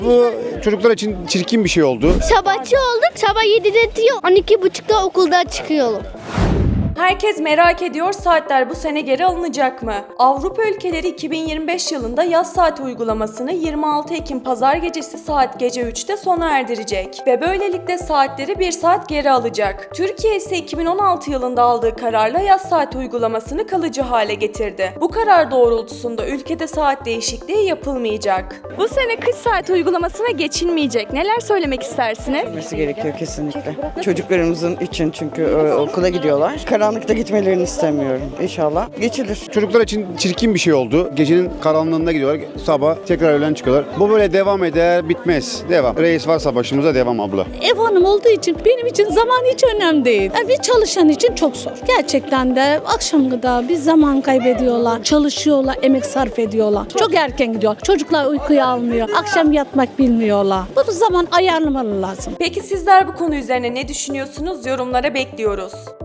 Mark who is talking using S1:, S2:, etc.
S1: Bu çocuklar için çirkin bir şey oldu.
S2: Sabahçı olduk. Sabah 7'de diyor. 12.30'da okuldan çıkıyorum.
S3: Herkes merak ediyor, saatler bu sene geri alınacak mı? Avrupa ülkeleri 2025 yılında yaz saati uygulamasını 26 Ekim pazar gecesi saat gece 3'te sona erdirecek ve böylelikle saatleri 1 saat geri alacak. Türkiye ise 2016 yılında aldığı kararla yaz saati uygulamasını kalıcı hale getirdi. Bu karar doğrultusunda ülkede saat değişikliği yapılmayacak.
S4: Bu sene kış saati uygulamasına geçilmeyecek. Neler söylemek istersiniz?
S5: Gitmesi gerekiyor kesinlikle. Çocuklarımızın için çünkü okula gidiyorlar. Karanlıkta gitmelerini istemiyorum. İnşallah geçilir.
S1: Çocuklar için çirkin bir şey oldu. Gecenin karanlığında gidiyorlar. Sabah tekrar öğlen çıkıyorlar. Bu böyle devam eder, bitmez. Devam. Reis varsa başımıza devam abla.
S6: Ev hanım olduğu için benim için zaman hiç önemli değil. Bir çalışan için çok zor. Gerçekten de akşam kadar bir zaman kaybediyorlar. Çalışıyorlar, emek sarf ediyorlar. Çok erken gidiyor. Çocuklar uykuya almıyor. Akşam yatmak bilmiyorlar. Bu zaman ayarlamalı lazım.
S3: Peki sizler bu konu üzerine ne düşünüyorsunuz? Yorumlara bekliyoruz.